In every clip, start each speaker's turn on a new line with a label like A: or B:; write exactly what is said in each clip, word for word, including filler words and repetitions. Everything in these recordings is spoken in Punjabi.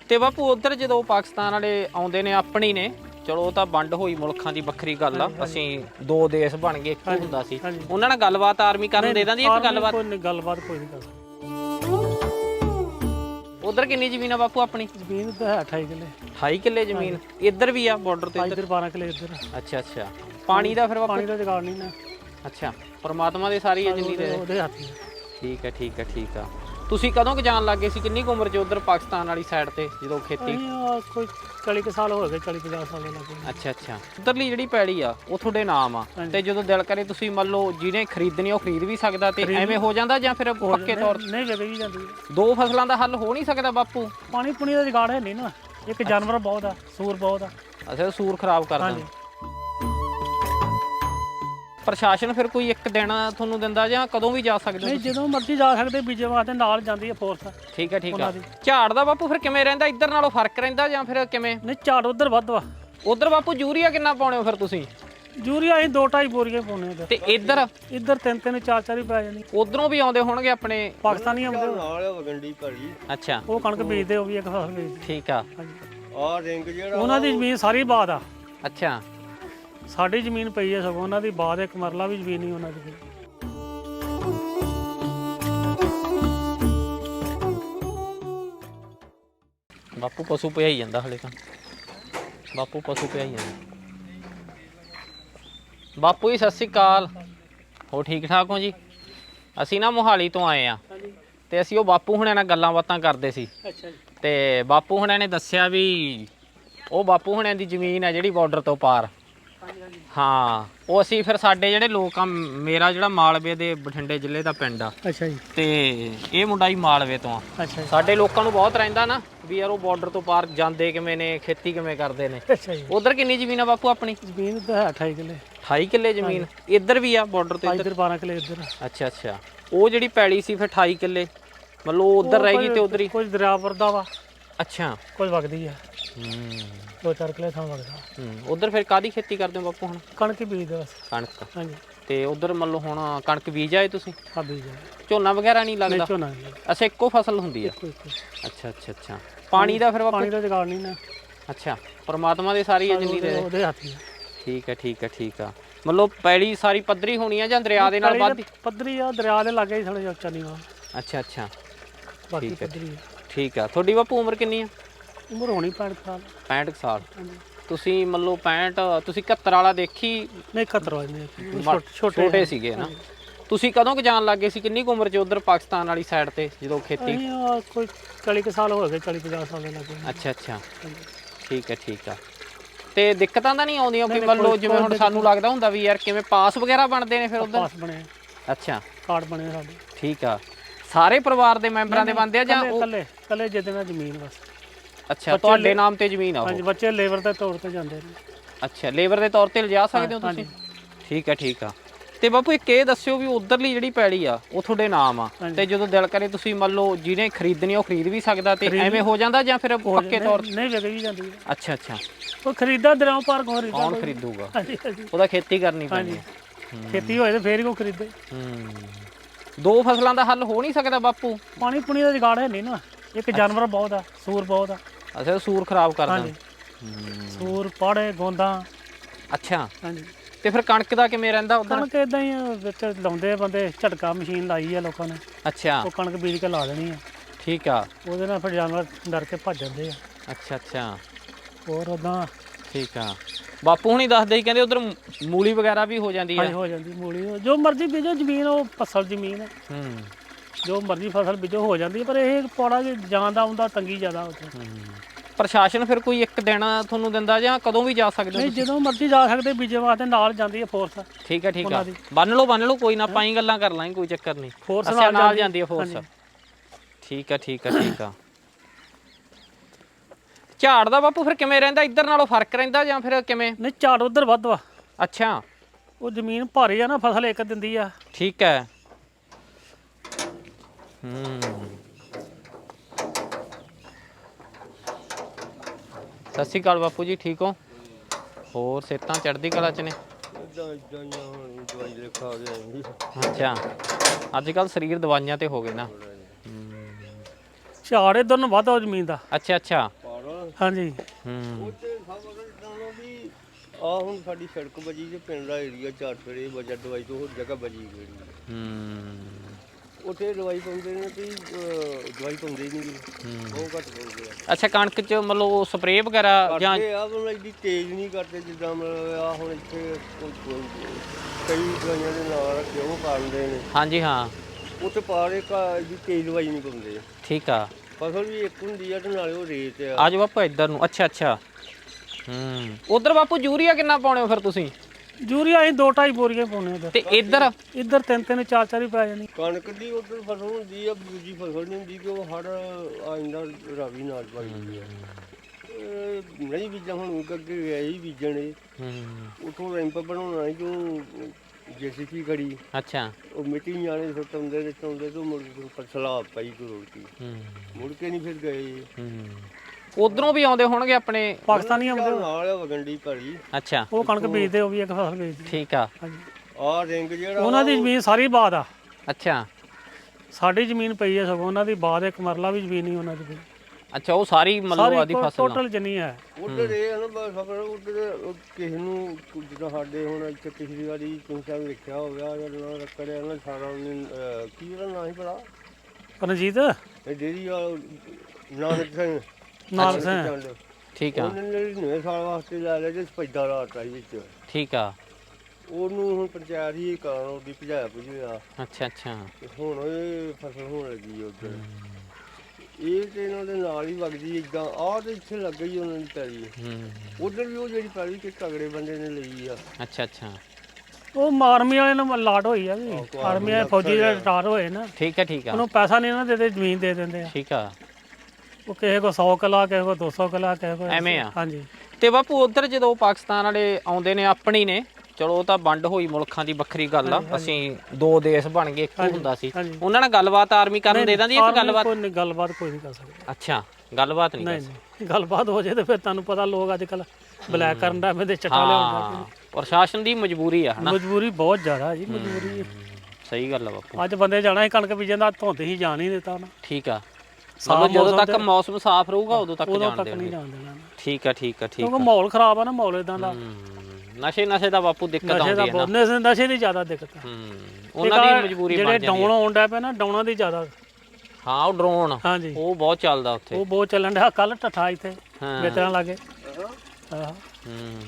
A: ਤੇ ਬਾਪੂ ਉਧਰ ਜਦੋਂ ਪਾਕਿਸਤਾਨ ਵਾਲੇ ਆਉਂਦੇ ਨੇ ਆਪਣੀ ਨੇ, ਚਲੋ ਉਹ ਤਾਂ ਵੰਡ ਹੋਈ ਮੁਲਕਾਂ ਦੀ ਵੱਖਰੀ ਗੱਲ ਆ, ਅਸੀਂ ਦੋ ਦੇਸ਼ ਬਣ ਗਏ, ਇੱਕ ਹੁੰਦਾ ਸੀ। ਉਹਨਾਂ ਨਾਲ ਗੱਲਬਾਤ ਆਰਮੀ ਕਰਨ ਦੇ ਦਿੰਦੀ ਇੱਕ ਗੱਲਬਾਤ?
B: ਕੋਈ ਨਹੀਂ, ਗੱਲਬਾਤ ਕੋਈ ਨਹੀਂ ਕਰਦਾ।
A: ਉਧਰ ਕਿੰਨੀ ਜ਼ਮੀਨ ਆ ਬਾਪੂ ਆਪਣੀ?
B: ਜ਼ਮੀਨ ਤਾਂ ਹੈ ਅਠਾਈ ਕਿੱਲੇ।
A: ਅਠਾਈ ਕਿੱਲੇ ਜ਼ਮੀਨ ਇੱਧਰ ਵੀ ਆ ਬਾਰਡਰ ਤੇ?
B: ਇੱਧਰ ਬਾਰਾਂ ਕਿੱਲੇ ਇੱਧਰ।
A: ਅੱਛਾ ਅੱਛਾ। ਪਾਣੀ ਦਾ ਫਿਰ ਬਾਪੂ?
B: ਪਾਣੀ ਦਾ ਜੁਗਾੜ ਨਹੀਂ ਨਾ।
A: ਅੱਛਾ, ਪਰਮਾਤਮਾ ਦੇ ਸਾਰੀ ਜਿੰਨੀ ਦੇ
B: ਉਹਦੇ ਹੱਥ ਹੀ।
A: ਠੀਕ ਹੈ ਠੀਕ ਹੈ ਠੀਕ ਆ। ਤੁਸੀਂ ਕਦੋਂ ਕੁ ਜਾਣ ਲੱਗੇ ਸੀ, ਕਿੰਨੀ ਕੁ ਉਮਰ 'ਚ ਉਧਰ ਪਾਕਿਸਤਾਨ ਵਾਲੀ ਸਾਈਡ ਤੇ ਜਦੋਂ ਖੇਤੀ?
B: ਕੋਈ ਚਾਲੀ ਕੁ ਸਾਲ ਹੋ ਗਏ, ਚਾਲੀ ਪੰਜਾਹ ਸਾਲ ਦੇ ਲੱਗੇ।
A: ਅੱਛਾ ਅੱਛਾ। ਉਧਰਲੀ ਜਿਹੜੀ ਪੈੜੀ ਆ ਉਹ ਤੁਹਾਡੇ ਨਾਮ ਆ, ਤੇ ਜਦੋਂ ਦਿਲ ਕਰੇ ਤੁਸੀਂ ਮੰਨ ਲਓ ਜਿਹਨੇ ਖਰੀਦਣੀ ਉਹ ਖਰੀਦ ਵੀ ਸਕਦਾ, ਤੇ ਐਵੇਂ ਹੋ ਜਾਂਦਾ ਜਾਂ ਫਿਰ ਪੱਕੇ ਤੌਰ?
B: ਨਹੀਂ, ਵਿਕ ਵੀ ਜਾਂਦੀ।
A: ਦੋ ਫਸਲਾਂ ਦਾ ਹੱਲ ਹੋ ਨਹੀਂ ਸਕਦਾ ਬਾਪੂ?
B: ਪਾਣੀ ਪੁਣੀ ਦਾ ਜੁਗਾੜ ਹੈ ਨਹੀਂ ਨਾ, ਇੱਕ ਜਾਨਵਰ ਬਹੁਤ ਆ, ਸੂਰ ਬਹੁਤ ਆ।
A: ਅੱਛਾ, ਸੂਰ ਖਰਾਬ ਕਰਦਾ। ਪ੍ਰਸ਼ਾਸਨ ਫਿਰ ਕੋਈ ਇੱਕ ਦਿਨ ਤੁਹਾਨੂੰ ਦਿੰਦਾ ਜਾਂ ਕਦੋਂ ਵੀ ਜਾ ਸਕਦੇ ਹੋ?
B: ਨਹੀਂ, ਜਦੋਂ ਮਰਜ਼ੀ ਜਾ ਸਕਦੇ, ਬੀਜੇ ਵਾਸਤੇ ਨਾਲ ਜਾਂਦੀ ਹੈ ਫੋਰਸ।
A: ਠੀਕ ਹੈ ਠੀਕ ਆ। ਝਾੜ ਦਾ ਬਾਪੂ ਫਿਰ ਕਿਵੇਂ ਰਹਿੰਦਾ, ਇੱਧਰ ਨਾਲੋਂ ਫਰਕ ਰਹਿੰਦਾ ਜਾਂ ਫਿਰ ਕਿਵੇਂ?
B: ਨਹੀਂ, ਝਾੜ ਉਧਰ ਵੱਧ ਵਾ।
A: ਉਧਰ ਬਾਪੂ ਯੂਰੀਆ ਕਿੰਨਾ ਪਾਉਣੇ ਹੋ ਫਿਰ ਤੁਸੀਂ?
B: ਯੂਰੀਆ ਅਸੀਂ ਦੋ ਢਾਈ ਬੋਰੀਆਂ ਪਾਉਣੇ ਆ।
A: ਤੇ ਇੱਧਰ?
B: ਇੱਧਰ ਤਿੰਨ ਤਿੰਨ ਚਾਰ ਚਾਰ ਹੀ ਪੈ ਜਾਂਦੀ।
A: ਉਧਰੋਂ ਵੀ ਆਉਂਦੇ ਹੋਣਗੇ ਆਪਣੇ
B: ਪਾਕਿਸਤਾਨੀ ਆਉਂਦੇ
C: ਨਾਲ ਵਗੰਡੀ ਭਰੀ।
A: ਅੱਛਾ,
B: ਉਹ ਕਣਕ ਬੀਜਦੇ, ਉਹ ਵੀ ਇੱਕ ਫਸਲ ਬੀਜਦੇ।
A: ਠੀਕ ਆ।
C: ਆਹ ਰਿੰਗ ਜਿਹੜਾ
B: ਉਹਨਾਂ ਦੀ ਜ਼ਮੀਨ ਸਾਰੀ ਬਾਦ ਆ।
A: ਅੱਛਾ,
B: ਸਾਡੀ ਜ਼ਮੀਨ ਪਈ ਹੈ ਸਗੋਂ, ਉਹਨਾਂ ਦੀ ਬਾਦ, ਇੱਕ ਮਰਲਾ ਵੀ ਜ਼ਮੀਨ ਨਹੀਂ ਉਹਨਾਂ ਦੀ।
A: ਬਾਪੂ ਪਸ਼ੂ ਪਿਆਈ ਜਾਂਦਾ ਹਲੇ ਤਾਂ, ਬਾਪੂ ਪਸ਼ੂ ਪਿਆਈ ਜਾਂਦਾ। ਬਾਪੂ ਜੀ ਸਤਿ ਸ਼੍ਰੀ ਅਕਾਲ, ਹੋ ਠੀਕ ਠਾਕ ਹੋ ਜੀ? ਅਸੀਂ ਨਾ ਮੋਹਾਲੀ ਤੋਂ ਆਏ ਆ, ਤੇ ਅਸੀਂ ਉਹ ਬਾਪੂ ਹੁਣਾਂ ਨਾਲ ਗੱਲਾਂ ਬਾਤਾਂ ਕਰਦੇ ਸੀ।
B: ਅੱਛਾ ਜੀ।
A: ਤੇ ਬਾਪੂ ਹੁਣਾਂ ਨੇ ਦੱਸਿਆ ਵੀ ਉਹ ਬਾਪੂ ਹੁਣਾਂ ਦੀ ਜ਼ਮੀਨ ਹੈ ਜਿਹੜੀ ਬਾਰਡਰ ਤੋਂ ਪਾਰ। ਹਾਂ, ਉਹ ਅਸੀਂ ਫਿਰ ਸਾਡੇ ਜਿਹੜੇ ਲੋਕ ਆ, ਮੇਰਾ ਜਿਹੜਾ ਮਾਲਵੇ ਦੇ ਬਠਿੰਡੇ ਜ਼ਿਲ੍ਹੇ ਦਾ ਪਿੰਡ ਆ।
B: ਅੱਛਾ ਜੀ।
A: ਤੇ ਇਹ ਮੁੰਡਾ ਹੀ ਮਾਲਵੇ ਤੋਂ ਆ।
B: ਅੱਛਾ ਜੀ।
A: ਸਾਡੇ ਲੋਕਾਂ ਨੂੰ ਬਹੁਤ ਰਹਿੰਦਾ ਨਾ ਵੀ ਯਾਰ ਉਹ ਬਾਰਡਰ ਤੋਂ ਪਾਰ ਜਾਂਦੇ ਕਿਵੇਂ ਨੇ, ਖੇਤੀ ਕਿਵੇਂ ਕਰਦੇ ਨੇ।
B: ਅੱਛਾ ਜੀ।
A: ਉਧਰ ਕਿੰਨੀ ਜ਼ਮੀਨ ਆ ਬਾਪੂ ਆਪਣੀ?
B: ਜ਼ਮੀਨ ਤਾਂ ਹੈ ਅਠਾਈ ਕਿੱਲੇ।
A: ਅਠਾਈ ਕਿੱਲੇ ਜ਼ਮੀਨ ਇੱਧਰ ਵੀ ਆ ਬਾਰਡਰ ਤੇ?
B: ਇੱਧਰ ਬਾਰਾਂ ਕਿੱਲੇ ਇੱਧਰ।
A: ਅੱਛਾ ਅੱਛਾ। ਉਹ ਜਿਹੜੀ ਪੈਲੀ ਸੀ ਫਿਰ ਅਠਾਈ ਕਿੱਲੇ ਮਤਲਬ ਉਹ ਉਧਰ ਰਹਿ ਗਈ ਤੇ ਉਧਰ ਹੀ?
B: ਕੁਝ ਦਰਿਆ ਵਰਦਾ ਵਾ।
A: ਅੱਛਾ।
B: ਕੁਝ ਵਗਦੀ ਆ।
A: ਹੂੰ।
B: ਦੋ ਚਾਰ ਕਿੱਲੇ ਥਾਂ ਵਗਦਾ।
A: ਹੂੰ। ਉਧਰ ਫਿਰ ਕਾਹਦੀ ਖੇਤੀ ਕਰਦੇ ਹੋ ਬਾਪੂ ਹੁਣ?
B: ਕਣਕ ਹੀ ਬੀਜਦੇ ਬਸ।
A: ਕਣਕ?
B: ਹਾਂਜੀ।
A: ਤੇ ਉਧਰ ਮੰਨ ਲਓ ਹੁਣ ਕਣਕ ਬੀਜ ਆਏ ਤੁਸੀਂ?
B: ਹਾਂ, ਬੀਜ
A: ਝੋਨਾ ਵਗੈਰਾ ਨਹੀਂ ਲੱਗਦਾ?
B: ਝੋਨਾ ਨਹੀਂ।
A: ਅੱਛਾ, ਇੱਕੋ ਫਸਲ ਹੁੰਦੀ ਆ? ਅੱਛਾ ਅੱਛਾ ਅੱਛਾ। ਪਾਣੀ ਦਾ ਫਿਰ ਬਾਪੂ?
B: ਪਾਣੀ ਦਾ ਜੁਗਾੜ ਨਹੀਂ ਨਾ।
A: ਅੱਛਾ, ਪਰਮਾਤਮਾ ਦੇ ਸਾਰੀ ਜਿੰਨੀ ਦੇ
B: ਉਹਦੇ ਹੱਥ ਹੀ।
A: ਠੀਕ ਹੈ ਠੀਕ ਹੈ ਠੀਕ ਆ। ਮਤਲਬ ਪੈੜੀ ਸਾਰੀ ਪੱਧਰੀ ਹੋਣੀ ਆ ਜਾਂ ਦਰਿਆ ਦੇ ਨਾਲ ਵੱਧਦੀ?
B: ਪੱਧਰੀ ਆ, ਦਰਿਆ ਦੇ ਲਾਗੇ ਥੋੜਾ ਜਿਹਾ ਉੱਚਾ ਨਹੀਂ ਵਾ।
A: ਅੱਛਾ ਅੱਛਾ,
B: ਬਾਕੀ ਪੱਧਰੀ ਆ।
A: ਠੀਕ ਆ। ਤੁਹਾਡੀ ਬਾਪੂ ਉਮਰ ਕਿੰਨੀ ਆ?
B: ਉਮਰ ਹੋਣੀ ਪੈਂਹਠ ਸਾਲ।
A: ਪੈਂਹਠ ਸਾਲ। ਤੁਸੀਂ ਮੰਨ ਲਓ ਪੈਂਹਠ, ਤੁਸੀਂ ਇਕਹੱਤਰ ਵਾਲਾ ਦੇਖੀ?
B: ਨਹੀਂ, ਇਕਹੱਤਰ ਵਾਲੇ
A: ਛੋਟੇ ਸੀਗੇ ਨਾ। ਤੁਸੀਂ ਕਦੋਂ ਕੁ ਜਾਣ ਲੱਗੇ ਸੀ, ਕਿੰਨੀ ਕੁ ਉਮਰ 'ਚ ਉਧਰ ਪਾਕਿਸਤਾਨ ਵਾਲੀ ਸਾਈਡ ਤੇ ਜਦੋਂ ਖੇਤੀ?
B: ਕੋਈ ਚਾਲੀ ਕੁ ਸਾਲ ਹੋ ਗਏ, ਚਾਲੀ ਪੰਜਾਹ ਸਾਲ ਦੇ ਲੱਗੇ।
A: ਅੱਛਾ ਅੱਛਾ, ਠੀਕ ਹੈ ਠੀਕ ਆ। ਤੇ ਦਿੱਕਤਾਂ ਤਾਂ ਨਹੀਂ ਆਉਂਦੀਆਂ ਕਿ ਮੰਨ ਲਓ ਜਿਵੇਂ ਹੁਣ ਸਾਨੂੰ ਲੱਗਦਾ ਹੁੰਦਾ ਵੀ ਯਾਰ ਕਿਵੇਂ ਪਾਸ ਵਗੈਰਾ ਬਣਦੇ ਨੇ ਫਿਰ ਉਧਰ?
B: ਪਾਸ ਬਣੇ।
A: ਅੱਛਾ,
B: ਕਾਰਡ ਬਣੇ ਸਾਡੇ।
A: ਠੀਕ ਆ। ਸਾਰੇ ਪਰਿਵਾਰ ਦੇ ਮੈਂਬਰਾਂ ਦੇ ਬਣਦੇ ਆ ਜਾਂ
B: ਇਕੱਲੇ ਇਕੱਲੇ ਜਿੱਦਣਾ ਜ਼ਮੀਨ ਬਸ?
A: ਅੱਛਾ, ਤੁਹਾਡੇ ਨਾਮ ਤੇ ਜ਼ਮੀਨ ਆ ਉਹ?
B: ਹਾਂਜੀ, ਬੱਚੇ ਲੇਬਰ ਦੇ ਤੌਰ ਤੇ ਜਾਂਦੇ ਨੇ।
A: ਅੱਛਾ, ਲੇਬਰ ਦੇ ਤੌਰ ਤੇ ਲਿਜਾ ਸਕਦੇ ਹੋ ਤੁਸੀਂ? ਠੀਕ ਹੈ ਠੀਕ ਆ। ਤੇ ਬਾਪੂ ਇੱਕ ਇਹ ਦੱਸਿਓ ਵੀ ਉਧਰਲੀ ਜਿਹੜੀ ਪੈੜੀ ਆ ਉਹ ਤੁਹਾਡੇ ਨਾਮ ਆ, ਤੇ ਜਦੋਂ ਦਿਲ ਕਰੇ ਤੁਸੀਂ ਮੰਨ ਲਓ ਜਿਹਨੇ ਖਰੀਦਣੀ ਉਹ ਖਰੀਦ ਵੀ ਸਕਦਾ, ਤੇ ਐਵੇਂ ਹੋ ਜਾਂਦਾ ਜਾਂ ਫਿਰ ਪੱਕੇ ਤੌਰ?
B: ਨਹੀਂ, ਵਿਕ ਵੀ ਜਾਂਦੀ।
A: ਅੱਛਾ ਅੱਛਾ।
B: ਉਹ ਖਰੀਦਾ ਦਰਿਆਓਂ ਪਾਰ ਕੌਣ
A: ਕੌਣ ਖਰੀਦੂਗਾ? ਉਹਦਾ ਖੇਤੀ ਕਰਨੀ ਪੈਣੀ।
B: ਖੇਤੀ ਹੋਏ ਤੇ ਫੇਰ ਹੀ ਕੋ ਖਰੀਦੇ।
A: ਹੂੰ। ਦੋ ਫਸਲਾਂ ਦਾ ਹੱਲ ਹੋ ਨਹੀਂ ਸਕਦਾ ਬਾਪੂ?
B: ਪਾਣੀ ਪੁਣੀ ਦਾ ਜੁਗਾੜ ਹੈ ਨਹੀਂ ਨਾ, ਇੱਕ ਜਾਨਵਰ ਬਹੁਤ ਆ, ਸੂਰ ਬਹੁਤ ਆ।
A: ਅੱਛਾ, ਸੂਰ ਖਰਾਬ ਕਰਦਾ।
B: ਸੂਰ, ਪਾੜੇ, ਗੋਂਦਾਂ।
A: ਅੱਛਾ।
B: ਹਾਂਜੀ।
A: ਤੇ ਫਿਰ ਕਣਕ ਦਾ ਕਿਵੇਂ ਰਹਿੰਦਾ ਉਧਰ?
B: ਕਣਕ ਇਦਾਂ ਹੀ ਵਿੱਚ ਲਾਉਂਦੇ ਬੰਦੇ, ਝਟਕਾ ਮਸ਼ੀਨ ਲਾਈ ਆ ਲੋਕਾਂ ਨੇ।
A: ਅੱਛਾ।
B: ਉਹ ਕਣਕ ਬੀਜ ਕੇ ਲਾ ਦੇਣੀ ਆ।
A: ਠੀਕ ਆ।
B: ਉਹਦੇ ਨਾਲ ਫਿਰ ਜਾਨਵਰ ਡਰ ਕੇ ਭੱਜ ਜਾਂਦੇ ਆ।
A: ਅੱਛਾ ਅੱਛਾ।
B: ਹੋਰ ਉਦਾਂ
A: ਠੀਕ ਆ। ਬਾਪੂ ਹੁਣੀ ਦੱਸਦੇ ਹੀ ਕਹਿੰਦੇ ਉਧਰ ਮੂਲੀ ਵਗੈਰਾ ਵੀ ਹੋ ਜਾਂਦੀ ਹੈ?
B: ਹੋ ਜਾਂਦੀ ਮੂਲੀ, ਜੋ ਮਰਜ਼ੀ ਬੀਜੋ, ਜ਼ਮੀਨ ਉਹ ਫਸਲ ਜ਼ਮੀਨ ਹੈ।
A: ਹੂੰ।
B: ਜੋ ਮਰਜ਼ੀ ਫਸਲ ਬੀਜੋ ਹੋ ਜਾਂਦੀ, ਪਰ ਇਹ ਪੌੜਾ ਜੇ ਜਾਣ ਦਾ ਆਉਂਦਾ ਤੰਗੀ ਜ਼ਿਆਦਾ ਉੱਥੇ।
A: ਪ੍ਰਸ਼ਾਸਨ ਫਿਰ ਕੋਈ ਇੱਕ ਦਿਨ ਤੁਹਾਨੂੰ ਦਿੰਦਾ ਜਾਂ ਕਦੋਂ ਵੀ ਜਾ ਸਕਦੇ ਹੋ?
B: ਨਹੀਂ, ਜਦੋਂ ਮਰਜ਼ੀ ਜਾ ਸਕਦੇ, ਬੀਜੇ ਵਾਸਤੇ ਨਾਲ ਜਾਂਦੀ ਹੈ ਫੋਰਸ।
A: ਠੀਕ ਹੈ ਠੀਕ ਆ। ਬੰਨ ਲਓ ਬੰਨ ਲਓ, ਕੋਈ ਨਾ, ਆਪਾਂ ਹੀ ਗੱਲਾਂ ਕਰ ਲਾਂਗੇ, ਕੋਈ ਚੱਕਰ ਨਹੀਂ।
B: ਫੋਰਸ
A: ਨਾਲ ਜਾਂਦੀ ਹੈ ਫੋਰਸ। ਠੀਕ ਆ ਠੀਕ ਆ ਠੀਕ ਆ। ਝਾੜ ਦਾ ਬਾਪੂ ਫਿਰ ਕਿਵੇਂ ਰਹਿੰਦਾ, ਇੱਧਰ ਨਾਲੋਂ ਫਰਕ ਰਹਿੰਦਾ ਜਾਂ ਫਿਰ ਕਿਵੇਂ?
B: ਨਹੀਂ, ਝਾੜ ਉਧਰ ਵੱਧ ਵਾ।
A: ਅੱਛਾ।
B: ਉਹ ਜ਼ਮੀਨ ਭਾਰੀ ਆ ਨਾ, ਫਸਲ ਇੱਕ ਦਿੰਦੀ ਆ।
A: ਠੀਕ ਹੈ। ਹੂੰ। ਸਤਿ ਸ਼੍ਰੀ ਅਕਾਲ ਬਾਪੂ ਜੀ, ਠੀਕ ਹੋ? ਹੋਰ ਸਿਹਤਾਂ ਚੜ੍ਹਦੀ ਕਲਾ 'ਚ ਨੇ? ਅੱਛਾ, ਅੱਜ ਕੱਲ੍ਹ ਸਰੀਰ ਦਵਾਈਆਂ ਤੇ ਹੋ ਗਏ ਨਾ।
B: ਝਾੜ ਇੱਧਰ ਨੂੰ ਵੱਧ ਆ ਜ਼ਮੀਨ ਦਾ।
A: ਅੱਛਾ ਅੱਛਾ।
B: ਹਾਂਜੀ
A: ਹੂੰ
C: ਉੱਥੇ ਸਭ ਅਸਲ ਇਦਾਂ ਨਾ ਵੀ ਆ ਹੁਣ ਸਾਡੀ ਸੜਕ ਬਜੀ ਤੇ ਪਿੰਡ ਦਾ ਏਰੀਆ ਚਾਰ ਫੇਰੇ ਵਜਾ ਦਵਾਈ ਤੋਂ ਹੋਰ ਜਗ੍ਹਾ ਬਜੀ ਗਈ
A: ਹੂੰ
C: ਉੱਥੇ ਦਵਾਈ ਪਾਉਂਦੇ ਨੇ ਵੀ ਅਹ, ਦਵਾਈ ਪਾਉਂਦੇ ਹੀ ਨਹੀਂ ਬਹੁਤ ਘੱਟ ਪਾਉਂਦੇ ਆ
A: ਅੱਛਾ ਕਣਕ ਚ ਮਤਲਬ ਸਪਰੇਅ ਵਗੈਰਾ ਜਾਂ
C: ਕਰਦੇ ਆ ਮਤਲਬ ਇੰਨੀ ਤੇਜ਼ ਨਹੀਂ ਕਰਦੇ ਜਿੱਦਾਂ ਮਤਲਬ ਆ ਹੁਣ ਇੱਥੇ ਕੋਈ- ਕੋਈ- ਕਈ ਦਵਾਈਆਂ ਦੇ ਨਾਂ ਰੱਖੇ ਉਹ ਪਾਉਂਦੇ ਨੇ
A: ਹਾਂਜੀ ਹਾਂ
C: ਉੱਥੇ ਪਾਰੇ ਕਾ ਦੀ ਤੇਜ਼ ਦਵਾਈ ਨਹੀਂ ਪਾਉਂਦੇ
A: ਠੀਕ ਆ
C: ਫਸਲ ਵੀ ਇੱਕ ਹੁੰਦੀ ਆ ਤੇ ਨਾਲੇ ਉਹ ਰੇਤ ਆ
A: ਆ ਜਾਓ ਬਾਪੂ ਇੱਧਰ ਨੂੰ ਅੱਛਾ ਅੱਛਾ ਹੂੰ ਉਧਰ ਬਾਪੂ ਯੂਰੀਆ ਕਿੰਨਾ ਪਾਉਣੇ ਹੋ ਫਿਰ ਤੁਸੀਂ
B: ਯੂਰੀਆ ਅਸੀਂ ਦੋ ਢਾਈ ਬੋਰੀਆਂ ਪਾਉਣੇ ਉਧਰ
A: ਤੇ ਇੱਧਰ
B: ਇੱਧਰ ਤਿੰਨ ਤਿੰਨ ਚਾਰ ਚਾਰ ਹੀ ਪੈ ਜਾਣੀ
C: ਕਣਕ ਦੀ ਉੱਧਰ ਫਸਲ ਹੁੰਦੀ ਆ ਦੂਜੀ ਫਸਲ ਨਹੀਂ ਹੁੰਦੀ ਕਿ ਉਹ ਹੜ ਆ ਜਾਂਦਾ ਰਾਵੀ ਨਾਲ ਪਾਈ ਆ ਇਹ ਨਹੀਂ ਬੀਜਾਂ ਹੁਣ ਅੱਗੇ ਗਏ ਹੀ ਬੀਜਣ ਇਹ
A: ਹੂੰ
C: ਉਥੋਂ ਰੈਂਪ ਬਣਾਉਣਾ ਸੀ ਜੋ ਜੇਸੀਪੀ ਕਰੀ
A: ਅੱਛਾ
C: ਉਹ ਮਿੱਟੀ ਜਾਣੇ ਸੁੱਟਾਉਂਦੇ ਤੇ ਸੁੱਟਾਉਂਦੇ ਤੋਂ ਮੁੜ ਕੇ ਸਲਾਬ ਪਈ ਕਰੋੜ ਦੀ
A: ਹੂੰ
C: ਮੁੜ ਕੇ ਨਹੀਂ ਫਿਰ ਗਏ
A: ਹੂੰ ਉਧਰੋਂ ਵੀ ਆਉਂਦੇ ਹੋਣਗੇ ਆਪਣੇ
B: ਪਾਕਿਸਤਾਨੀ ਆਉਂਦੇ
C: ਨਾਲ ਵਗੰਡੀ ਭਰੀ
A: ਅੱਛਾ
B: ਉਹ ਕਣਕ ਬੀਜਦੇ ਉਹ ਵੀ ਇੱਕ ਫਸਲ ਬੀਜਦੇ
A: ਠੀਕ ਆ
B: ਹਾਂਜੀ
C: ਆ ਰਿੰਗ ਜਿਹੜਾ
B: ਉਹਨਾਂ ਦੀ ਜ਼ਮੀਨ ਸਾਰੀ ਬਾਦ ਆ
A: ਅੱਛਾ
B: ਸਾਡੀ ਜ਼ਮੀਨ ਪਈ ਹੈ ਸਗੋਂ ਉਹਨਾਂ ਦੀ ਬਾਦ ਇੱਕ ਮਰਲਾ ਵੀ ਜ਼ਮੀਨ ਨਹੀਂ ਉਹਨਾਂ ਦੀ ਪਈ
A: ਅੱਛਾ ਉਹ ਸਾਰੀ ਮਤਲਬ ਆਦੀ
B: ਸਾਰੀ
A: ਫਸਲ
B: ਟੋਟਲ ਜਿੰਨੀ ਹੈ
C: ਉਧਰ ਇਹ ਹੈ ਨਾ ਬਸ ਖਬਰ ਉਧਰ ਕਿਸੇ ਨੂੰ ਜਿੱਦਾਂ ਸਾਡੇ ਹੁਣ ਇੱਥੇ ਪਿਛਲੀ ਵਾਰੀ ਤੁਸੀਂ ਸਾਹਿਬ ਵੇਖਿਆ ਹੋਵੇਗਾ ਜਿਹੜਾ ਰੱਖੜਿਆ ਨਾ ਸਾਰਾ ਉਹਨੇ ਅਹ, ਕੀ ਉਹਦਾ ਨਾਂ ਹੀ ਪੜਾ
B: ਰਣਜੀਤ
C: ਇਹ ਡੇਰੀ ਵਾਲਾ ਨਾਨਕ ਸਿੰਘ
B: ਨਾਲ ਸੇ
C: ਚੰਦ
A: ਠੀਕ ਆ
C: ਉਹਨੇ ਨਵੇਂ ਸਾਲ ਵਾਸਤੇ ਲੈ ਲਿਆ ਜੇ ਸਪੈਦਾ ਰਾਤ ਆਈ ਵਿੱਚ
A: ਠੀਕ ਆ
C: ਉਹਨੂੰ ਹੁਣ ਪੰਚਾਇਤ ਹੀ ਕਾਰਨ ਉਹਦੀ ਭਜਾਇਆ ਭੁਜਾਇਆ
A: ਅੱਛਾ ਅੱਛਾ
C: ਤੇ ਹੁਣ ਇਹ ਫਸਲ ਹੋਣ ਲੱਗੀ ਉਧਰ ਇਹ ਤੇ ਇਹਨਾਂ ਦੇ ਨਾਲ ਹੀ ਵਗਦੀ ਇਦਾਂ ਆਹ ਤੇ ਇੱਥੇ ਲੱਗ ਗਈ ਉਹਨਾਂ ਦੀ ਪੈਲੀ
A: ਹੂੰ
C: ਉਧਰ ਵੀ ਉਹ ਜਿਹੜੀ ਪੈਲੀ ਕਿ ਤਗੜੇ ਬੰਦੇ ਨੇ ਲਈ ਆ
A: ਅੱਛਾ ਅੱਛਾ
B: ਉਹ ਆਰਮੀ ਵਾਲੇ ਨੂੰ ਲਾਟ ਹੋਈ ਆ ਵੀ ਆਰਮੀ ਵਾਲੇ ਫੌਜੀ ਜਿਹੜੇ ਰਿਟਾਇਰ ਹੋਏ ਨਾ
A: ਠੀਕ ਆ ਠੀਕ ਆ
B: ਉਹਨੂੰ ਪੈਸਾ ਨਹੀਂ ਨਾ ਦੇਦੇ ਜ਼ਮੀਨ ਦੇ ਦਿੰਦੇ ਆ
A: ਠੀਕ ਆ
B: ਉਹ ਕਿਸੇ ਕੋ ਸੌ ਕਿੱਲਾ ਕਿਸੇ ਕੋ ਦੋ ਸੌ ਕਿੱਲਾ ਕਿਸੇ ਕੋ
A: ਐਵੇਂ ਆ
B: ਹਾਂਜੀ
A: ਤੇ ਬਾਪੂ ਉਧਰ ਜਦੋਂ ਪਾਕਿਸਤਾਨ ਵਾਲੇ ਆਉਂਦੇ ਨੇ ਆਪਣੀ ਨੇ ਚਲੋ ਉਹ ਤਾਂ ਵੰਡ ਹੋਈ ਮੁਲਕਾਂ ਦੀ ਵੱਖਰੀ ਗੱਲ ਆ ਅਸੀਂ ਦੋ ਦੇਸ਼ ਬਣ ਗਏ ਇੱਕੋ ਹੁੰਦਾ ਸੀ
B: ਹਾਂਜੀ।
A: ਉਹਨਾਂ ਨਾਲ ਗੱਲਬਾਤ ਆਰਮੀ ਕਰਨ ਦੇ ਦਿੰਦੀ ਇੱਕ ਗੱਲਬਾਤ
B: ਕੋਈ ਨਹੀਂ ਗੱਲਬਾਤ ਕੋਈ ਨਹੀਂ ਕਰ ਸਕਦਾ
A: ਅੱਛਾ ਗੱਲਬਾਤ ਨਹੀਂ
B: ਨਹੀਂ ਨਹੀਂ ਗੱਲਬਾਤ ਹੋ ਜੇ ਤੇ ਫਿਰ ਤੁਹਾਨੂੰ ਪਤਾ ਲੋਕ ਅੱਜ ਕੱਲ ਬਲੈਕ ਕਰਨ ਦਾ ਮੇਰੇ ਚਟਾ ਲਿਆਉਂਦਾ
A: ਹਾਂ ਪ੍ਰਸ਼ਾਸਨ ਦੀ ਮਜਬੂਰੀ ਆ ਹਨਾ
B: ਮਜਬੂਰੀ ਬਹੁਤ ਜ਼ਿਆਦਾ ਜੀ ਮਜਬੂਰੀ
A: ਸਹੀ ਗੱਲ ਆ ਬਾਪੂ
B: ਅੱਜ ਬੰਦੇ ਜਾਣਾ ਸੀ ਕਣਕ ਬੀਜਣ ਦਾ ਧੁੰਦ ਹੀ ਜਾਣ ਨਹੀਂ ਦਿੱਤਾ ਨਾ
A: ਠੀਕ ਆ ਮਤਲਬ ਜਦੋਂ ਤੱਕ ਮੌਸਮ ਸਾਫ਼ ਰਹੂਗਾ ਉਦੋਂ ਤੱਕ
B: ਉਦੋਂ
A: ਜਾਣ
B: ਤੱਕ ਨਹੀਂ
A: ਦੇਣਗੇ
B: ਜਾਣ ਦੇਣਾ
A: ਠੀਕ ਆ ਠੀਕ ਆ ਠੀਕ
B: ਕਿਉਂਕਿ ਮਾਹੌਲ ਖਰਾਬ ਆ ਨਾ ਮਾਹੌਲ ਇਦਾਂ ਦਾ
A: ਹੂੰ। ਨਸ਼ੇ ਨਸ਼ੇ ਦਾ ਬਾਪੂ ਦਿੱਕਤ
B: ਨਸ਼ੇ ਦਾ
A: ਆਉਂਦੀ ਹੈ ਨਾ
B: ਬਹੁਤ ਨਸ਼ੇ ਨਸ਼ੇ ਦੀ ਜ਼ਿਆਦਾ ਦਿੱਕਤ ਆ
A: ਹੂੰ ਉਹਨਾਂ ਦੀ ਮਜਬੂਰੀ ਬਣ
B: ਜਿਹੜੇ
A: ਜਾਂਦੀ ਹੈ
B: ਡਾਊਨ ਆਉਣ ਡਿਆ ਪਿਆ ਨਾ ਡਾਊਨਾਂ ਦੀ ਜ਼ਿਆਦਾ
A: ਹਾਂ ਉਹ ਡਰੋਨ
B: ਹਾਂਜੀ
A: ਉਹ ਬਹੁਤ ਚੱਲਦਾ ਉੱਥੇ
B: ਉਹ ਬਹੁਤ ਚੱਲਣ ਡਿਆ ਕੱਲ ਠੱਠਾ ਇੱਥੇ
A: ਹਾਂ
B: ਵੇਚਣ ਲੱਗੇ ਹਾਂ
A: ਹੂੰ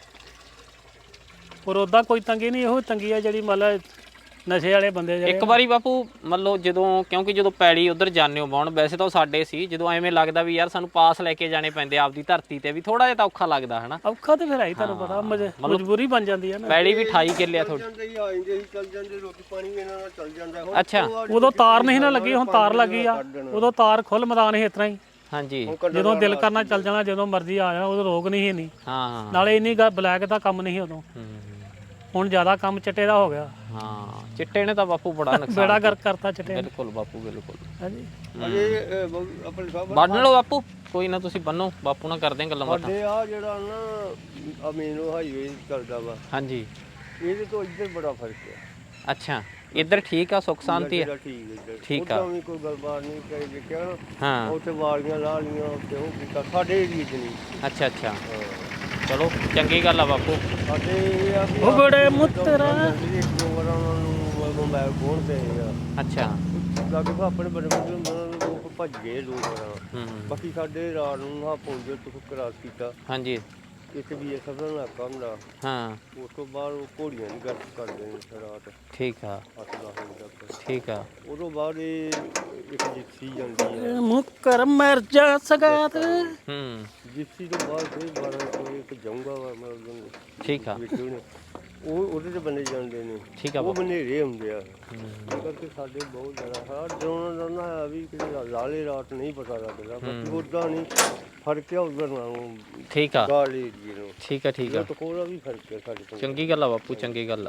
B: ਪਰ ਉਦਾਂ ਕੋਈ ਤੰਗੀ ਨਹੀਂ ਇਹੋ ਤੰਗੀ ਆ ਜਿਹੜੀ ਮਤਲਬ ਨਸ਼ੇ ਵਾਲੇ ਬੰਦੇ ਜਿਹੜੇ
A: ਇੱਕ ਵਾਰੀ ਬਾਪੂ ਮੰਨ ਲਓ ਜਦੋਂ ਕਿਉਂਕਿ ਜਦੋਂ ਪੈੜੀ ਉਧਰ ਜਾਂਦੇ ਹੋ ਬਾਉਣ ਵੈਸੇ ਤਾਂ ਉਹ ਸਾਡੇ ਸੀ ਜਦੋਂ ਐਵੇਂ ਲੱਗਦਾ ਵੀ ਯਾਰ ਸਾਨੂੰ ਪਾਸ ਲੈ ਕੇ ਜਾਣੇ ਪੈਂਦੇ ਆਪਦੀ ਧਰਤੀ ਤੇ ਵੀ ਥੋੜਾ ਜਿਹਾ ਤਾਂ ਔਖਾ ਲੱਗਦਾ ਹਨਾ
B: ਔਖਾ ਤੇ ਫਿਰ ਆਈ ਤੁਹਾਨੂੰ ਪਤਾ ਮਜ- ਮਜਬੂਰੀ ਬਣ ਜਾਂਦੀ ਹੈ ਨਾ
A: ਪੈੜੀ ਵੀ ਅਠਾਈ ਕਿੱਲੇ ਆ ਤੁਹਾਡੀ
C: ਜਾਂਦੇ ਹੀ ਆ ਜਾਂਦੇ ਸੀ ਚੱਲ ਜਾਂਦੇ ਰੋਟੀ ਪਾਣੀ ਵੀ ਇਹਨਾਂ ਨਾਲ ਚੱਲ ਜਾਂਦਾ ਹੁਣ
A: ਅੱਛਾ
B: ਉਦੋਂ ਤਾਰ ਨਹੀਂ ਨਾ ਲੱਗੀ ਹੁਣ ਤਾਰ ਲੱਗੀ ਆ ਉਦੋਂ ਤਾਰ ਖੁੱਲ ਮੈਦਾਨ ਸੀ ਇਸ ਤਰ੍ਹਾਂ ਹੀ
A: ਹਾਂਜੀ
B: ਜਦੋਂ ਦਿਲ ਕਰਨਾ ਚੱਲ ਜਾਣਾ ਜਦੋਂ ਮਰਜ਼ੀ ਆ ਜਾਣਾ ਉਦੋਂ ਰੋਕ ਨਹੀਂ ਸੀ ਇੰਨੀ
A: ਹਾਂ
B: ਨਾਲੇ ਇੰਨੀ ਗ- ਬਲੈਕ ਦਾ ਕੰਮ ਨਹੀਂ ਉਦੋਂ
A: ਹੂੰ।
B: ਹੁਣ ਜ਼ਿਆਦਾ ਕੰਮ ਚਿੱਟੇ ਦਾ ਹੋ ਗਿਆ
A: ਹਾਂ ਚਿੱਟੇ ਨੇ ਤਾਂ ਬਾਪੂ ਬੜਾ ਨੁਕਸਾਨ
B: ਬੇੜਾ ਗਰਕ ਕਰਤਾ ਚਿੱਟੇ ਨੇ।
A: ਬਿਲਕੁਲ ਬਾਪੂ ਬਿਲਕੁਲ
B: ਹਾਂਜੀ
C: ਅਜੇ ਅਹ, ਬਹੁ- ਆਪਣੇ ਸਾਹਿਬ
A: ਬੰਨ ਲਓ ਬਾਪੂ ਕੋਈ ਨਾ ਤੁਸੀਂ ਬੰਨੋ ਬਾਪੂ ਨਾਲ ਕਰਦੇ ਹਾਂ ਗੱਲਾਂ ਬਾਤਾਂ
C: ਸਾਡੇ ਆ ਜਿਹੜਾ ਨਾ ਅਮੀਨੋ ਹਾਈਵੇ ਚੱਲਦਾ ਵਾ
A: ਹਾਂਜੀ
C: ਇਹਦੇ ਤੋਂ ਇੱਧਰ ਬੜਾ ਫਰਕ ਹੈ
A: ਅੱਛਾ ਇੱਧਰ ਠੀਕ ਆ ਸੁੱਖ ਸ਼ਾਂਤੀ ਹੈ
C: ਜਿਹੜਾ ਠੀਕ ਇੱਧਰ
A: ਠੀਕ ਆ।
C: ਉੱਦਾਂ ਵੀ ਕੋਈ ਗੱਲਬਾਤ ਨਹੀਂ ਕਰੀ ਦੇਖਿਆ ਨਾ
A: ਹਾਂ
C: ਉੱਥੇ ਵਾਲੀਆਂ ਲਾ ਲੀਆਂ ਉੱਥੇ ਉਹ ਕੀਤਾ ਸਾਡੇ ਏਰੀਏ 'ਚ ਨਹੀਂ
A: ਅੱਛਾ ਅੱਛਾ
C: ਹਾਂ।
A: ਚਲੋ ਚੰਗੀ ਗੱਲ ਆ ਬਾਪੂ
C: ਸਾਡੇ ਇਹ ਆ ਵੀ
B: ਉਹ ਬੜੇ ਮੁੱਤਰਾ
C: ਇੱਕ ਦੋ ਵਾਰ ਉਹਨਾਂ ਨੂੰ ਮੋਬਾਈਲ ਖੋਲ ਤੇ
A: ਅੱਛਾ
C: ਲੱਗ ਪਾ ਆਪਣੇ ਬੜੇ ਬੜੇ ਉਹਨਾਂ ਨੂੰ ਲੋਕ ਭੱਜ ਗਏ ਲੋਕ
A: ਹੂੰ
C: ਬਾਕੀ ਸਾਡੇ ਰਾਤ ਨੂੰ ਆ ਪਹੁੰਚੇ ਤੋਂ ਕਰਾਸ ਕੀਤਾ
A: ਹਾਂਜੀ
C: ਇੱਥੇ ਵੀ ਇਹ ਸਭ ਦਾ ਇਲਾਕਾ ਹੁੰਦਾ
A: ਹਾਂ
C: ਉਸ ਤੋਂ ਬਾਅਦ ਉਹ ਘੋੜੀਆਂ ਦੀ ਗੱਲ ਕਰਦੇ ਨੇ ਰਾਤ
A: ਠੀਕ ਆ
C: ਅੱਠ ਦਸ ਵਜੇ ਤੱਕ
A: ਠੀਕ ਆ
C: ਉਦੋਂ ਬਾਅਦ ਇਹ ਇੱਕ ਜਿੱਤੀ ਜਾਂਦੀ ਹੈ
B: ਮੁਕਰ ਮਰ ਜਾ ਸਗਾਤ
A: ਹੂੰ
C: ਜਿੱਤੀ ਤੋਂ ਬਾਅਦ ਫਿਰ ਬਾਰਾਂ ਵਜੇ ਇੱਕ ਜਾਊਗਾ ਵਾ ਮਤਲਬ
A: ਠੀਕ ਆ
C: ਵਿੱਚ ਉਹਨੇ ਉਹ ਉਹਦੇ ਤੇ ਬੰਦੇ ਜਾਂਦੇ ਨੇ
A: ਠੀਕ ਆ
C: ਉਹ
A: ਬਾਪੂ
C: ਬਨੇਰੇ ਹੁੰਦੇ ਆ
A: ਹੂੰ।
C: ਇਸ ਕਰਕੇ ਸਾਡੇ ਬਹੁਤ ਜ਼ਿਆਦਾ ਹਾਂ ਡਰੋਨ ਦਾ ਹੈ ਵੀ ਕਿ ਲਾਲੇ ਰਾਤ ਨਹੀਂ ਪਤਾ ਲੱਗਦਾ ਬਾਕੀ ਉਦਾਂ ਨਹੀਂ ਫਰਕ ਹੈ ਉਧਰ ਨਾਲੋਂ
A: ਠੀਕ ਆ
C: ਗਾਲ ਏਰੀਏ ਨੂੰ
A: ਠੀਕ ਆ ਠੀਕ ਆ
C: ਤਾਂ ਕੋਲਾ ਵੀ ਫਰਕ ਹੈ ਸਾਡੇ ਤੋਂ
A: ਚੰਗੀ ਗੱਲ ਆ ਬਾਪੂ ਚੰਗੀ ਗੱਲ ਆ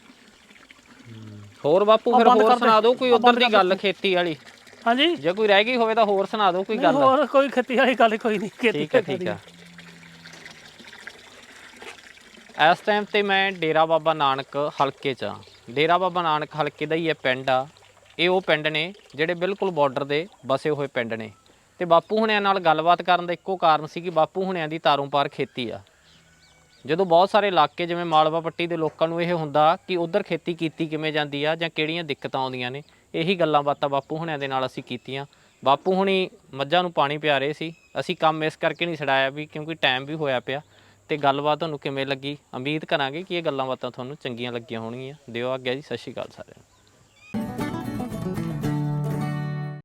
A: ਹੋਰ ਬਾਪੂ ਫਿਰ ਹੋਰ ਸੁਣਾ ਦਿਓ ਕੋਈ ਉਧਰ ਦੀ ਗੱਲ ਖੇਤੀ ਵਾਲੀ
B: ਹਾਂਜੀ
A: ਜੇ ਕੋਈ ਰਹਿ ਗਈ ਹੋਵੇ ਤਾਂ ਹੋਰ ਸੁਣਾ ਦਿਓ ਕੋਈ ਗੱਲ
B: ਹੋਰ ਕੋਈ ਖੇਤੀ ਵਾਲੀ ਗੱਲ ਕੋਈ ਨਹੀਂ ਖੇਤੀ
A: ਠੀਕ ਹੈ ਠੀਕ ਹੈ ਇਸ ਟਾਈਮ ਤੇ ਮੈਂ ਡੇਰਾ ਬਾਬਾ ਨਾਨਕ ਹਲਕੇ 'ਚ ਹਾਂ ਡੇਰਾ ਬਾਬਾ ਨਾਨਕ ਹਲਕੇ ਦਾ ਹੀ ਇਹ ਪਿੰਡ ਆ ਇਹ ਉਹ ਪਿੰਡ ਨੇ ਜਿਹੜੇ ਬਿਲਕੁਲ ਬਾਰਡਰ ਦੇ ਬਸੇ ਹੋਏ ਪਿੰਡ ਨੇ ਤੇ ਬਾਪੂ ਹੁਣਿਆਂ ਨਾਲ ਗੱਲਬਾਤ ਕਰਨ ਦਾ ਇੱਕੋ ਕਾਰਨ ਸੀ ਕਿ ਬਾਪੂ ਹੁਣਿਆਂ ਦੀ ਤਾਰੋਂ ਪਾਰ ਖੇਤੀ ਆ। ਜਦੋਂ ਬਹੁਤ ਸਾਰੇ ਇਲਾਕੇ ਜਿਵੇਂ ਮਾਲਵਾ ਪੱਟੀ ਦੇ ਲੋਕਾਂ ਨੂੰ ਇਹ ਹੁੰਦਾ ਕਿ ਉਧਰ ਖੇਤੀ ਕੀਤੀ ਕਿਵੇਂ ਜਾਂਦੀ ਆ ਜਾਂ ਕਿਹੜੀਆਂ ਦਿੱਕਤਾਂ ਆਉਂਦੀਆਂ ਨੇ, ਇਹੀ ਗੱਲਾਂ ਬਾਤਾਂ ਬਾਪੂ ਹੁਣਿਆਂ ਦੇ ਨਾਲ ਅਸੀਂ ਕੀਤੀਆਂ। ਬਾਪੂ ਹੁਣੀ ਮੱਝਾਂ ਨੂੰ ਪਾਣੀ ਪਿਆ ਰਹੇ ਸੀ, ਅਸੀਂ ਕੰਮ ਇਸ ਕਰਕੇ ਨਹੀਂ ਛਡਾਇਆ ਵੀ ਕਿਉਂਕਿ ਟਾਈਮ ਵੀ ਹੋਇਆ ਪਿਆ। ਤੇ ਗੱਲਬਾਤ ਤੁਹਾਨੂੰ ਕਿਵੇਂ ਲੱਗੀ, ਉਮੀਦ ਕਰਾਂਗੇ ਕਿ ਇਹ ਗੱਲਾਂ ਬਾਤਾਂ ਤੁਹਾਨੂੰ ਚੰਗੀਆਂ ਲੱਗੀਆਂ ਹੋਣਗੀਆਂ। ਦਿਓ ਆਗਿਆ ਜੀ, ਸਤਿ ਸ਼੍ਰੀ ਅਕਾਲ ਸਾਰਿਆਂ ਨੂੰ।